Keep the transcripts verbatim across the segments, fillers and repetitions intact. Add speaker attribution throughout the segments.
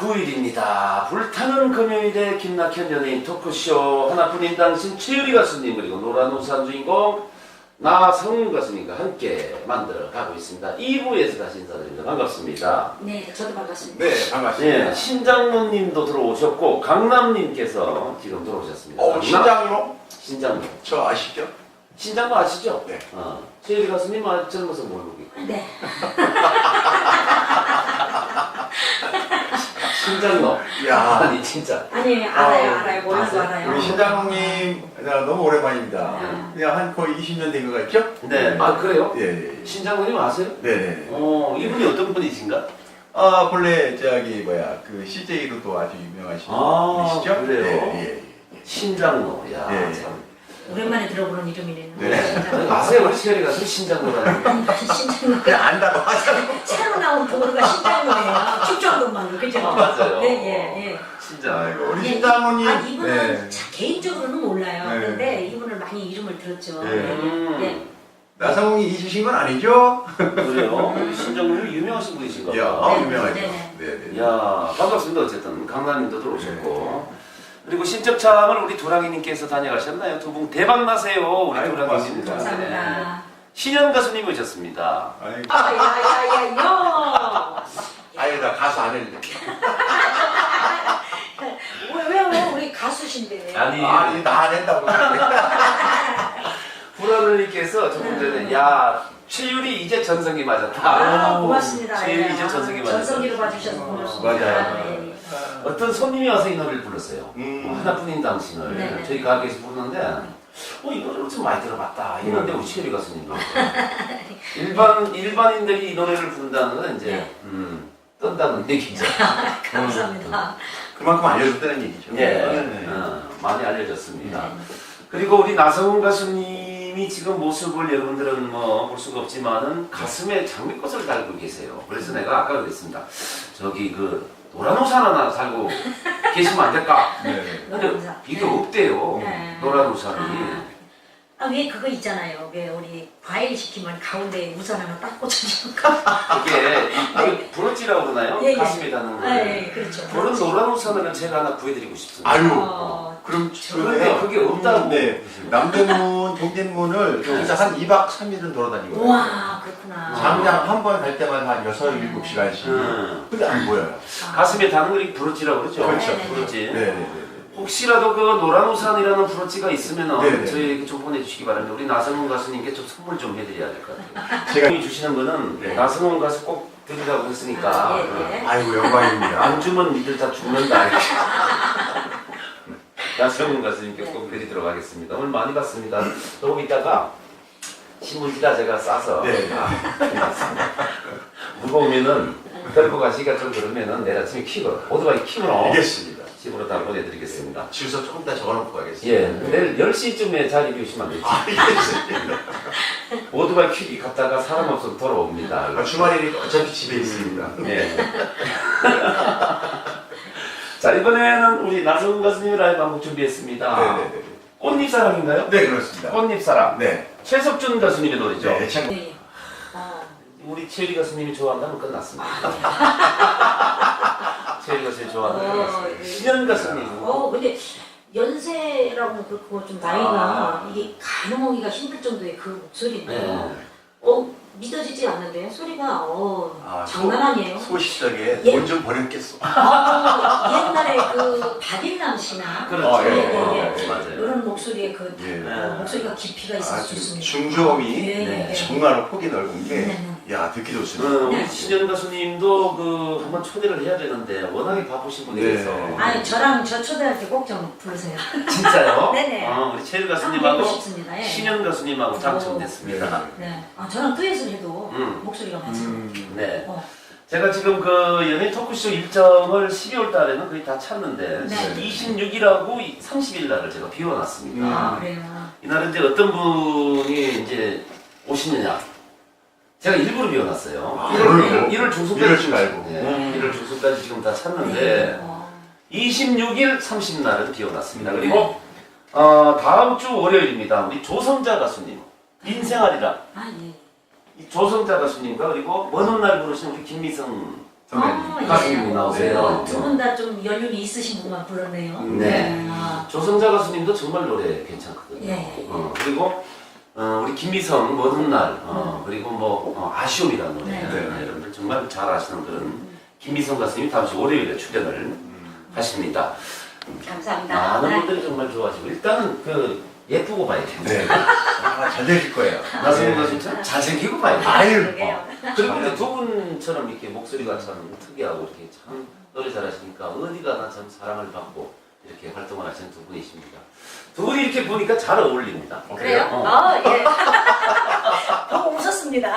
Speaker 1: 구 일입니다. 불타는 금요일에 김낙현 연예인 토크쇼 하나뿐인 당신 최유리 가수님 그리고 노란우산 주인공 나성훈 가수님과 함께 만들어 가고 있습니다. 이 부에서 다시 인사드립니다. 반갑습니다.
Speaker 2: 네, 저도 반갑습니다.
Speaker 3: 네, 반갑습니다.
Speaker 1: 네, 신장로님도 들어오셨고 강남님께서 지금 들어오셨습니다.
Speaker 3: 어,
Speaker 1: 강남?
Speaker 3: 신장로?
Speaker 1: 신장로.
Speaker 3: 저 아시죠?
Speaker 1: 신장로 아시죠?
Speaker 3: 네.
Speaker 1: 어, 최유리 가수님 아, 젊어서 모르고 있고.
Speaker 2: 네.
Speaker 1: 신장로.
Speaker 3: 야.
Speaker 1: 아니 진짜.
Speaker 2: 아니, 알아요,
Speaker 3: 어,
Speaker 2: 알아요. 몰라도
Speaker 1: 아세요?
Speaker 2: 알아요.
Speaker 3: 우리 신장로님 너무 오랜만입니다.
Speaker 2: 네.
Speaker 3: 그냥 한 거의 이십 년 된 것 같죠?
Speaker 1: 네. 아 그래요?
Speaker 3: 예, 예. 예.
Speaker 1: 신장로님 아세요?
Speaker 3: 네네.
Speaker 1: 어, 이분이 어떤 분이신가?
Speaker 3: 아, 본래 저기 뭐야 그 씨제이로도 아주 유명하신
Speaker 1: 아,
Speaker 3: 분이시죠?
Speaker 1: 그래요?
Speaker 3: 예, 예,
Speaker 1: 신장로. 야,
Speaker 3: 예.
Speaker 1: 참.
Speaker 2: 오랜만에 들어보는 이름이네요.
Speaker 3: 네.
Speaker 1: 아니, 아세요? 우리 시열이 가서 신장로라는 거.
Speaker 3: 예.
Speaker 2: 신장로.
Speaker 3: 그냥 안다고 하자고.
Speaker 2: 새로 나온 도로가 신장로예요. 축전동만 그죠?
Speaker 1: 아, 맞아요.
Speaker 2: 네, 예, 예.
Speaker 1: 신장.
Speaker 3: 아이고, 우리
Speaker 2: 예,
Speaker 3: 신장로님.
Speaker 2: 아, 이분은
Speaker 3: 네.
Speaker 2: 자, 개인적으로는 몰라요.
Speaker 3: 네.
Speaker 2: 근데 이분을 많이 이름을 들었죠.
Speaker 3: 네.
Speaker 1: 음.
Speaker 2: 네.
Speaker 3: 나성웅이 잊으신 건 아니죠?
Speaker 1: 그래요? 우리 신장로님 유명하신 분이신가
Speaker 3: 야,
Speaker 1: 봐.
Speaker 3: 아,
Speaker 2: 네,
Speaker 3: 유명하죠.
Speaker 2: 네.
Speaker 3: 네, 네.
Speaker 1: 야, 반갑습니다. 어쨌든 강남님도 들어오셨고. 그리고 신적창을 우리 도랑이님께서 다녀가셨나요? 두 분 대박 나세요. 우리
Speaker 3: 아이고,
Speaker 1: 도랑이님.
Speaker 3: 고맙습니다.
Speaker 2: 감사합니다.
Speaker 1: 신현 가수님 오셨습니다.
Speaker 3: 아이고,
Speaker 2: 아, 야, 야, 야, 야.
Speaker 3: 아유, 나 가수 안 했는데.
Speaker 2: 왜, 왜, 왜, 우리 가수신데.
Speaker 1: 아니,
Speaker 3: 아니, 나 안 했다고.
Speaker 1: 불안을님께서 조금 전에 야 최유리 이제 전성기 맞았다.
Speaker 2: 아, 고맙습니다.
Speaker 1: 최유리
Speaker 2: 예.
Speaker 1: 이제 전성기
Speaker 2: 아,
Speaker 1: 맞았다.
Speaker 2: 전성기로 봐주셔서 고맙습니다.
Speaker 3: 맞아요.
Speaker 2: 네, 네.
Speaker 1: 어떤 손님이 와서 이 노래를 불렀어요.
Speaker 3: 음.
Speaker 1: 뭐 하나뿐인 당신을
Speaker 2: 네네.
Speaker 1: 저희 가게에서 부르는데 어, 이 노래를 좀 많이 들어봤다. 이런데 우리 최유리 가수님도 일반 일반인들이 이 노래를 부른다는 건 이제
Speaker 2: 네.
Speaker 1: 음, 뜬다는 얘기죠.
Speaker 2: 감사합니다.
Speaker 3: 그만큼 알려줬다는 얘기죠.
Speaker 1: 예,
Speaker 3: 네.
Speaker 1: 어, 많이 알려졌습니다.
Speaker 2: 네.
Speaker 1: 그리고 우리 나성훈 가수님이 지금 모습을 여러분들은 뭐 볼 수가 없지만은 가슴에 장미꽃을 달고 계세요. 그래서 내가 아까 그랬습니다. 저기 그 노란 옷 하나 살고 계시면 안 될까?
Speaker 3: 네.
Speaker 1: 근데 이게 없대요.
Speaker 2: 네.
Speaker 1: 노란 우산이.
Speaker 2: 아, 왜 그거 있잖아요. 왜 우리 과일 시키면 가운데 우산 하나 딱 꽂혀주는 거.
Speaker 1: 이게 이게 브로치라고 그러나요?
Speaker 2: 예, 예.
Speaker 1: 가슴에 다는 거.
Speaker 2: 아, 예, 그렇죠.
Speaker 1: 그런 노란 우산을 제가 하나 구해드리고 싶습니다.
Speaker 3: 아유,
Speaker 2: 어,
Speaker 3: 그럼
Speaker 1: 그런데 그게 없다고.
Speaker 3: 네. 남대문, 동대문을 진짜 한 이 박 삼 일은 돌아다니거든요.
Speaker 2: 와, 그렇구나.
Speaker 3: 장장 한 번 갈 때마다 한 여섯, 일곱 시간씩.
Speaker 1: 음.
Speaker 3: 근데 안 보여요.
Speaker 2: 아,
Speaker 1: 가슴에 다는 걸 브로치라고 그러죠.
Speaker 3: 그렇죠.
Speaker 2: 네네네.
Speaker 1: 브로치.
Speaker 3: 네, 네, 네.
Speaker 1: 혹시라도 그 노란 우산이라는 브로치가 있으면
Speaker 3: 네네.
Speaker 1: 저희에게 좀 보내주시기 바랍니다. 우리 나성훈 가수님께 좀 선물 좀 해드려야 될 것 같아요.
Speaker 3: 제가
Speaker 1: 제가 주시는 거는
Speaker 3: 네.
Speaker 1: 나성훈 가수 꼭 드리라고 했으니까
Speaker 2: 아, 예, 예.
Speaker 3: 아이고 영광입니다.
Speaker 1: 안 주면 니들 다 죽는다. 이렇게. 나성훈 가수님께 꼭 드리도록 하겠습니다. 오늘 많이 봤습니다. 조금 있다가 신문지다 제가 싸서
Speaker 3: 네.
Speaker 1: 해놨습니다. 무거우면은 들고 가시기가 좀 그러면은 내일 아침에 킥으로 오토바이 킥으로
Speaker 3: 알겠습니다.
Speaker 1: 집으로 다 보내드리겠습니다.
Speaker 3: 주소 조금 더 적어놓고 가겠습니다.
Speaker 1: 예, 내일 열 시쯤에 자리 비우시면 안 되죠.
Speaker 3: 알겠습니다.
Speaker 1: 오토바이 퀴기 갔다가 사람 없으면 돌아옵니다.
Speaker 3: 아, 주말이니까 어차피 집에 있습니다.
Speaker 1: 예. 자, 이번에는 우리 나성훈 가수님 라이브 한곡 준비했습니다.
Speaker 3: 네네네.
Speaker 1: 꽃잎사랑인가요?
Speaker 3: 네, 그렇습니다.
Speaker 1: 꽃잎사랑.
Speaker 3: 네.
Speaker 1: 최석준 가수님의 노래죠.
Speaker 3: 네, 참.
Speaker 2: 네. 어,
Speaker 1: 우리 최유리 가수님이 좋아한다면 끝났습니다. 최유리 가수님이 좋아한다면
Speaker 2: 어,
Speaker 1: 끝났습니다.
Speaker 2: 예.
Speaker 1: 신현 가수님.
Speaker 2: 어, 근데 연세라고 그렇고 좀 나이가
Speaker 1: 아.
Speaker 2: 이게 가늠하기가 힘들 정도의 그 목소리인데,
Speaker 1: 네.
Speaker 2: 어, 믿어지지 않는데 소리가 어,
Speaker 3: 아,
Speaker 2: 장난 아니에요.
Speaker 3: 소시적에
Speaker 2: 예.
Speaker 3: 돈 좀 버렸겠어.
Speaker 2: 아, 옛날에 그 박일남 씨나
Speaker 1: 그렇죠.
Speaker 3: 아, 예,
Speaker 2: 예, 예,
Speaker 3: 예.
Speaker 1: 맞아요.
Speaker 2: 이런 목소리의 그
Speaker 3: 예.
Speaker 2: 어, 목소리가 깊이가 있을 수
Speaker 3: 아주
Speaker 2: 있습니다.
Speaker 3: 중저음이
Speaker 2: 예, 예,
Speaker 1: 네,
Speaker 2: 예.
Speaker 3: 정말 폭이 넓은 게,
Speaker 2: 네,
Speaker 3: 야, 듣기
Speaker 1: 어,
Speaker 3: 좋습니다.
Speaker 1: 우리 신현 가수님도 그 한번 초대를 해야 되는데 워낙에 바쁘신 분이라서.
Speaker 3: 네.
Speaker 2: 아니 저랑 저 초대할 때 꼭 좀 부르세요.
Speaker 1: 진짜요?
Speaker 2: 네네.
Speaker 1: 어, 우리 최유
Speaker 2: 한번
Speaker 1: 가수님하고
Speaker 2: 뵙고 싶습니다. 예.
Speaker 1: 신현 가수님하고 당첨됐습니다.
Speaker 2: 네. 아 저랑 듀엣을 해도
Speaker 1: 음.
Speaker 2: 목소리가 맞아요.
Speaker 3: 음,
Speaker 1: 네.
Speaker 2: 어.
Speaker 1: 제가 지금 그 연예인 토크쇼 일정을 십이월 달에는 거의 다 찼는데
Speaker 2: 네.
Speaker 1: 이십육 일하고 삼십 일 날을 제가 비워놨습니다.
Speaker 2: 아 그래요.
Speaker 1: 이날은 이제 어떤 분이 이제 오시느냐. 제가 일부러 비워놨어요.
Speaker 3: 아,
Speaker 1: 일월,
Speaker 3: 그래요?
Speaker 1: 일월 중순까지.
Speaker 3: 이럴 줄 알고.
Speaker 1: 네,
Speaker 3: 음.
Speaker 1: 일월 중순까지 지금 다 찼는데
Speaker 2: 네. 어.
Speaker 1: 이십육 일, 삼십 날은 비워놨습니다. 그리고 어, 다음 주 월요일입니다. 우리 조성자 가수님 인생아리라
Speaker 2: 아 예.
Speaker 1: 이 조성자 가수님과 그리고 먼 훗날 부르신 우리 김미성
Speaker 3: 선배님.
Speaker 1: 가수님이 나오세요.
Speaker 2: 두 분 다 좀 연륜이 있으신 분만 불렀네요.
Speaker 1: 네.
Speaker 2: 아,
Speaker 1: 조성자 가수님도 정말 노래 괜찮거든요.
Speaker 2: 예.
Speaker 1: 어, 그리고 어, 우리 김미성 먼 날, 어, 그리고 뭐 어, 아쉬움이라는 노래,
Speaker 2: 네.
Speaker 1: 네, 여러분들 정말 잘 아시는 그런 김미성 가수님이 다음 주 월요일에 출연을 하십니다.
Speaker 2: 감사합니다.
Speaker 1: 많은
Speaker 2: 네.
Speaker 1: 분들이 정말 좋아하시고 일단은 그 예쁘고 봐야 돼요.
Speaker 3: 네. 아, 잘 되실 거예요.
Speaker 1: 나성훈
Speaker 3: 네.
Speaker 1: 가수 참 잘생기고 봐야 돼요.
Speaker 3: 아유.
Speaker 2: 그러게요.
Speaker 1: 그리고 이제 두 분처럼 이렇게 목소리가 참 특이하고 이렇게 참 노래 잘하시니까 어디 가나 참 사랑을 받고 이렇게 활동을 하시는 두 분이십니다. 두 분이 이렇게 보니까 잘 어울립니다.
Speaker 3: 어,
Speaker 2: 그래요?
Speaker 1: 어.
Speaker 2: 아, 예. 보고 웃었습니다.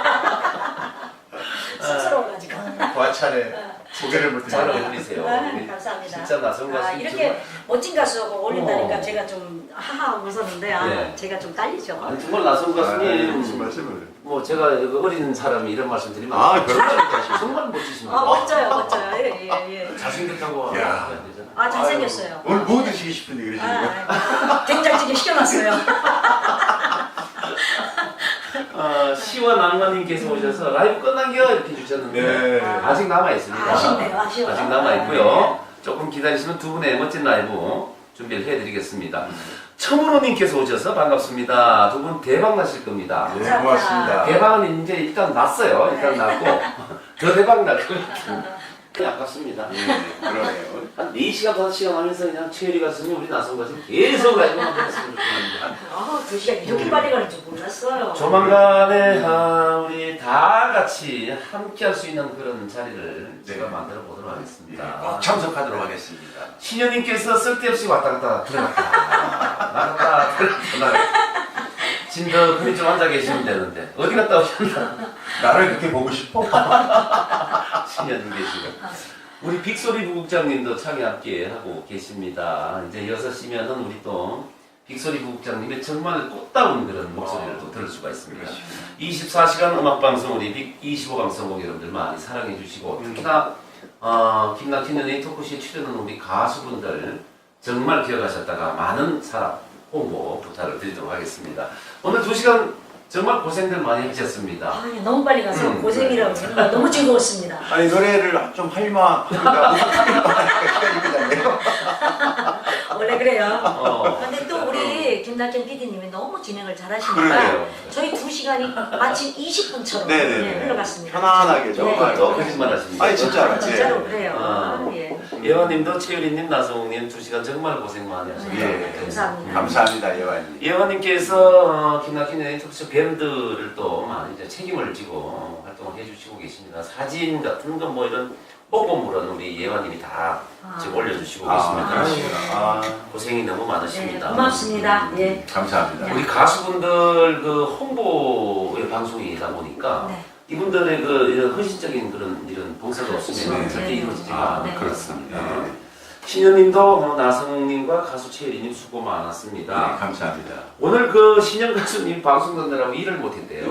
Speaker 2: 쑥스러워가지고.
Speaker 3: 과찬에 고개를 볼
Speaker 1: 잘
Speaker 3: 때.
Speaker 1: 어울리세요.
Speaker 2: 아,
Speaker 1: 우리
Speaker 2: 감사합니다.
Speaker 1: 진짜 나성 가수
Speaker 2: 아, 이렇게 멋진 가수하고 어울린다니까
Speaker 1: 어.
Speaker 2: 제가 좀 하하 웃었는데 아,
Speaker 1: 네.
Speaker 2: 제가 좀 딸리죠.
Speaker 1: 아니 정말 나성 가수님
Speaker 3: 무슨 말씀을.
Speaker 1: 뭐 제가 그 어린 사람이 이런 말씀 드리면
Speaker 3: 아, 그렇죠.
Speaker 1: 정말 멋지십니다.
Speaker 2: 아, 멋져요, 멋져요. 예, 예, 예.
Speaker 1: 잘생겼다고
Speaker 3: 야.
Speaker 1: 해야 되잖아.
Speaker 2: 아, 잘생겼어요.
Speaker 3: 오늘 뭐 드시고 싶은데
Speaker 2: 아,
Speaker 3: 그러시는 거?
Speaker 2: 아, 된장찌개 시켜놨어요.
Speaker 1: 어, 시원 낭만님께서 오셔서 라이브 끝난겨 이렇게 주셨는데
Speaker 3: 네.
Speaker 1: 아직 남아 있습니다.
Speaker 2: 아쉽네요, 아쉬워요.
Speaker 1: 아직 남아 있고요. 조금 기다리시면 두 분의 멋진 라이브 준비를 해드리겠습니다. 청문호님께서 오셔서 반갑습니다. 두 분 대박 나실 겁니다.
Speaker 3: 네, 고맙습니다.
Speaker 1: 대박은 이제 일단 났어요. 일단 났고 더 대박 날 거예요. 아깝습니다.
Speaker 3: 네, 그러네요.
Speaker 1: 한 네 시간, 다섯 시간 하면서 그냥 최혜리 가수님, 우리 나성 가수님 계속 라이브만 했으면 좋겠는데.
Speaker 2: 아, 두 시간 이렇게 빨리 가는 줄 몰랐어요.
Speaker 1: 조만간에 아, 우리 다 같이 함께 할 수 있는 그런 자리를
Speaker 3: 네.
Speaker 1: 제가 만들어 보도록 하겠습니다.
Speaker 3: 꼭 참석하도록 하겠습니다.
Speaker 1: 신현님께서 쓸데없이 왔다 갔다 들어갔다 나갔다 들어갔다 나갔다 진더 그리 좀 앉아 계시면 되는데 어디 갔다 오셨나?
Speaker 3: 나를 그렇게 보고 싶어?
Speaker 1: 신현님 계시고 우리 빅소리 부국장님도 참여 함께 하고 계십니다. 이제 여섯 시면은 우리 또 빅소리 부국장님의 정말 꽃다운 그런 목소리를 또 들을 수가 있습니다. 이십사 시간 음악방송 우리 빅 이십오 방송국 여러분들 많이 사랑해 주시고 특히나 어, 김낙현 연예인 토크쇼에 출연한 우리 가수분들 정말 기억하셨다가 많은 사랑 홍보 부탁을 드리도록 하겠습니다. 오늘 두 시간 정말 고생들 많이 하셨습니다.
Speaker 2: 아, 너무 빨리 가서
Speaker 1: 음,
Speaker 2: 고생이라고 생각 너무 즐거웠습니다.
Speaker 3: 아니 노래를 좀 할만 하니까 시간이 끝났네요.
Speaker 2: 원래 그래요.
Speaker 1: 어,
Speaker 2: 근데 또 우리 김낙현 피디님이 너무 진행을 잘하시니까
Speaker 3: 그러게요.
Speaker 2: 저희 두 시간이 마치 이십 분처럼
Speaker 3: 네네네.
Speaker 2: 흘러갔습니다.
Speaker 3: 편안하게 정말.
Speaker 1: 또 거짓말 하십니다.
Speaker 3: 아니 진짜로.
Speaker 2: 아, 진짜로
Speaker 3: 예.
Speaker 2: 그래요.
Speaker 1: 아.
Speaker 2: 아, 예.
Speaker 1: 예화님도 최유리님, 나성욱님 두 시간 정말 고생 많이 하셨습니다.
Speaker 3: 예.
Speaker 2: 감사합니다.
Speaker 3: 감사합니다 예완님.
Speaker 1: 예화님께서 어, 김낙현 연예인 토크쇼 밴드를 또 많이 이제 책임을 지고 활동을 해주시고 계십니다. 사진 같은 거 뭐 이런 뽀뽀물은 우리 예화님이 다
Speaker 2: 아.
Speaker 1: 지금 올려주시고
Speaker 3: 아,
Speaker 1: 계십니다.
Speaker 3: 그러시구나. 아,
Speaker 1: 고생이 너무
Speaker 2: 네,
Speaker 1: 많으십니다.
Speaker 2: 고맙습니다. 예.
Speaker 3: 감사합니다.
Speaker 1: 우리 가수분들 그 홍보의 방송이다 보니까
Speaker 2: 네.
Speaker 1: 이분들의 그 이런 헌신적인 그런 이런 봉사가 없으면
Speaker 2: 네.
Speaker 1: 절대
Speaker 2: 네.
Speaker 1: 이루어지지가
Speaker 3: 아,
Speaker 2: 네.
Speaker 3: 그렇습니다. 네.
Speaker 1: 신현님도 어, 나성욱님과 가수 최혜리님 수고 많았습니다.
Speaker 3: 네, 감사합니다.
Speaker 1: 오늘 그 신현 가수님 방송 듣느라고 일을 못했대요.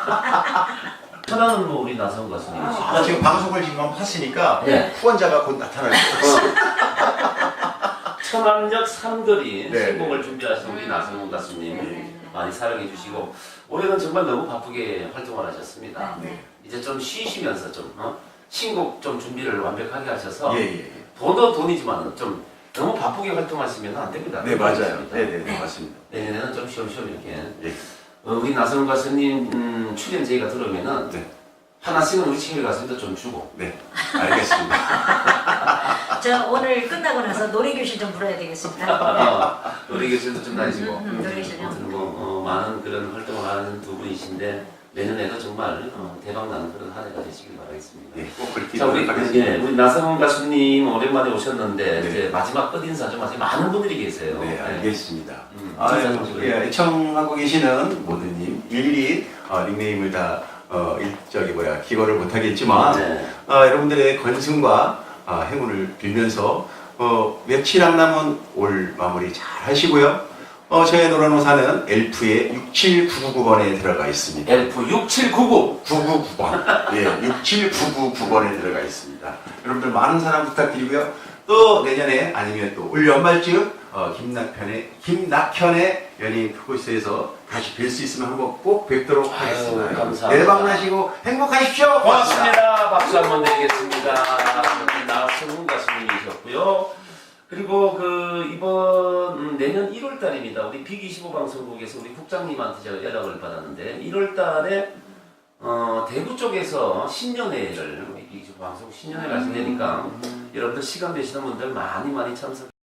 Speaker 1: 천안은 뭐 우리 나성 가수님이시죠?
Speaker 3: 아, 지금 방송을 지금 한번 했으니까
Speaker 1: 네.
Speaker 3: 후원자가 곧 나타날 거예요.
Speaker 1: 천안역 삼거리
Speaker 3: 네.
Speaker 1: 신곡을 준비하신 우리 나성 가수님
Speaker 2: 네.
Speaker 1: 많이 사랑해 주시고 올해는 정말 너무 바쁘게 활동을 하셨습니다.
Speaker 3: 네.
Speaker 1: 이제 좀 쉬시면서 좀 어? 신곡 좀 준비를 완벽하게 하셔서
Speaker 3: 예, 예, 예.
Speaker 1: 돈도 돈이지만 좀 너무 바쁘게 활동하시면 안 됩니다.
Speaker 3: 네, 맞아요.
Speaker 1: 그렇습니다.
Speaker 3: 네, 네, 네, 맞습니다.
Speaker 1: 내년에는 좀 쉬엄쉬엄 이렇게
Speaker 3: 예.
Speaker 1: 어, 우리 나성 가수님 음, 출연 제의가 들어오면은
Speaker 3: 네.
Speaker 1: 하나씩은 우리 친구 가수님도 좀 주고
Speaker 3: 네, 알겠습니다.
Speaker 2: 저 오늘 끝나고 나서 노래교실 좀 불러야 되겠습니다.
Speaker 1: 어, 우리 교실도 좀 다니시고
Speaker 2: 음, 음, 노래교실요.
Speaker 1: 아무튼 뭐 어, 많은 그런 활동을 하는 두 분이신데 내년에도 정말 어, 대박나는 그런 한 해가 되시길 바라겠습니다.
Speaker 3: 예, 꼭 그렇게
Speaker 1: 자 우리
Speaker 3: 하겠습니다.
Speaker 1: 예, 우리 나성 가수님 오랜만에 오셨는데
Speaker 3: 네.
Speaker 1: 이제 마지막 끝 인사 좀 하세요. 많은 분들이 계세요.
Speaker 3: 네, 알겠습니다.
Speaker 1: 음,
Speaker 3: 아,
Speaker 1: 인사 좀
Speaker 3: 예,
Speaker 1: 드려요.
Speaker 3: 애청하고 계시는 모든님 일일이 어, 닉네임을 다 어, 일, 저기 뭐야 기거를 못하겠지만
Speaker 1: 네.
Speaker 3: 어, 여러분들의 건승과 어, 행운을 빌면서 어, 며칠 안 남은 올 마무리 잘 하시고요. 어, 저희 노란호사는 엘프의 육칠구구구 번에 들어가 있습니다.
Speaker 1: 엘프 육칠구구
Speaker 3: 구구구 번. 예, 육칠구구구 번에 들어가 있습니다. 여러분들 많은 사랑 부탁드리고요. 또 내년에 아니면 또 올 연말쯤 어, 김낙현의 김낙현의 연예인 토크쇼에서 다시 뵐 수 있으면 한번 꼭 뵙도록
Speaker 1: 아유,
Speaker 3: 하겠습니다.
Speaker 1: 감사합니다.
Speaker 3: 대박나시고 행복하십시오.
Speaker 1: 고맙습니다. 박수 한번 드리겠습니다. 나성훈 가수님이셨고요. 그리고 그 이번 음, 내년 일월 달입니다. 우리 빅이십오 방송국에서 우리 국장님한테 제가 연락을 받았는데 일월 달에 어, 대구 쪽에서 신년회를 우리 빅이십오 방송국 신년회 가신다니까 여러분들 시간 되시는 분들 많이 많이 참석.